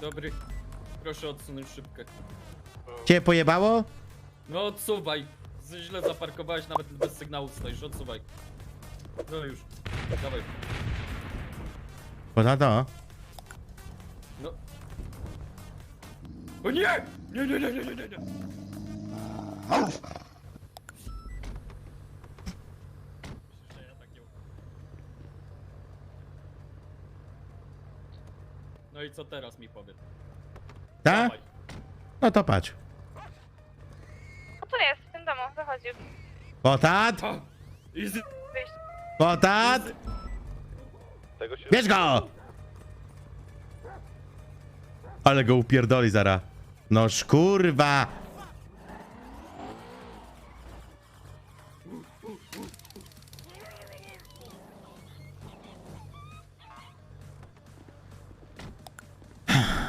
Dobry. Proszę odsunąć szybkę. Cię pojebało? No odsuwaj. Źle zaparkowałeś, nawet bez sygnału stoisz, odsuwaj. No już. Dawaj. Poza to. No. O nie! Nie, nie, nie, nie, nie, nie. Myślisz, że ja tak nie... No i co teraz mi powie? Tak? Dawaj. No to patrz. No to jest, w tym domu, wychodził. Potat! Ha! Easy. Wyjść. Potat! Bierz go! Ale go upierdoli zara. Noż kurwa!